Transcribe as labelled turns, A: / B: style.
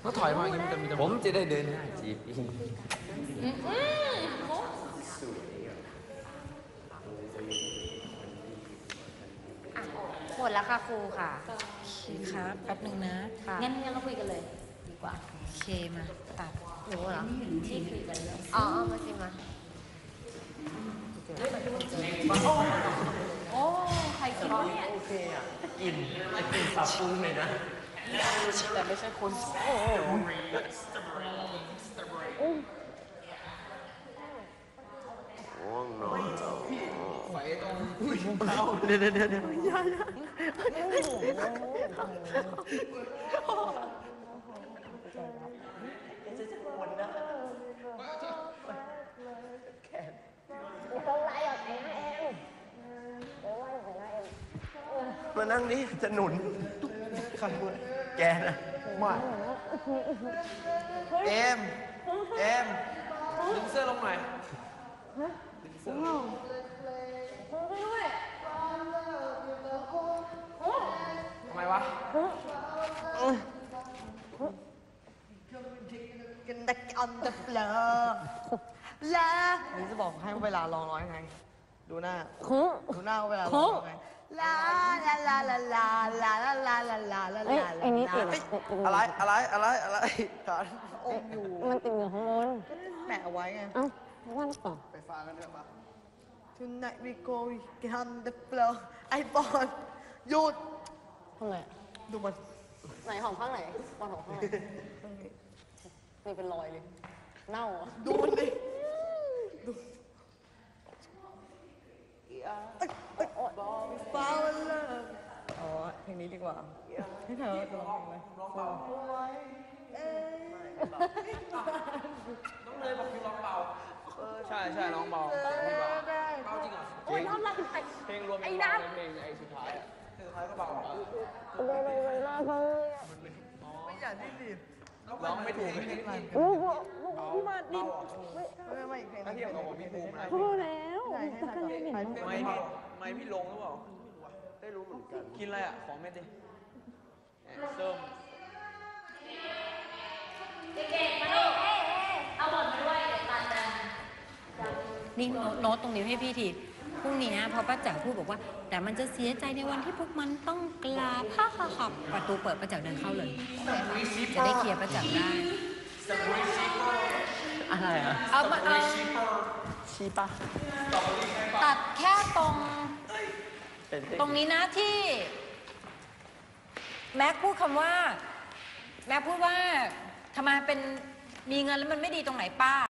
A: ก็ถอยมาอย่างนี้มันจะมีผมจะได้เดินหน้าจีบอีก
B: หมดแล้วค่ะครูค่ะ
C: โอเคครับแป๊บนึงนะ
B: งั้นเราคุยกันเลยดีกว่า
C: โอเคมาตัด
B: หนูเหรอที่คุยกันเลยอ๋อมาสิมาโอ้ใครกินเนี่ย
A: โอเคอ่ะกินสับปูเลยนะแต่ไม่ใช่คนง่วงนอนไฟตรงเดี๋ยวอย่ามานั่งนี่จะหนุนขันแกนะมาเอ็มดึงเสื้อลงหน่อยดึงเสื้อทำไมวะ
C: กันดักออนเดอะเฟลอลานี่จะบอกให้เวลาร้องร้อยไงดูหน้าเวลาร้องไงลาลาลาลาลาลาลาลาลาลาลาลา
D: ไอ้นี่ติด
A: อะไรขา
C: อมอยู่
D: มันติดอยู่ข้างบน
C: แปะเอาไว้ไง
D: เอ้าวันต่อ
A: ไปฟังกันเถอะปะ
C: Tonight we go on the floor ไอ้บอลหยุด
D: ทำไม
C: ดูมัน
D: ไหนของข้างไหนบอลของข้างไหนนี่เป็นรอยเลยเน่าอ่ะ
C: ดูมันดิดูฟ้าวันเลิกอ๋อเพลงนี้ดีกว่าให้เธอจะร้องเพลงไหม
A: น้องเลยบอกคือร้องเบาใช่ร้องเบาเบาจริงเหรอ
B: โอ้ยเรา
A: เพลงรวมเพลงไอ้สุดท้ายก็เบา
C: ไม่อยากที่ดิ
A: ร้องไม่ถูกเลย
D: พี่มาดิ
C: ไม่อีกเพลง
A: ถ้าเทียบกับผมพี่ภูมินะ
D: พอแล้ว
A: ไม่พี่ลงหรือเปล่าได้รู้เหมือนกันกินอะไรอ่ะของเม็ดดิเติม
B: เด็กๆมาดูเอาบทมาด้วยเดี๋ยวตัดกัน
C: นี่โน้ตตรงนี้ให้พี่ทีพรุ่งนี้พอป้าจ๋าพูดบอกว่าแต่มันจะเสียใจในวันที่พวกมันต้องกลาผ้าขับประตูเปิดป้าจ๋าเดินเข้าเลยจะได้เคลียร์ป้าจ๋าได้
A: อะไรอ่ะ
C: เอา
A: ชี้ปะ
C: ตัดแค่ตรงนี้นะที่แม็กพูดคำว่าแม็กพูดว่าทำไมเป็นมีเงินแล้วมันไม่ดีตรงไหนป้า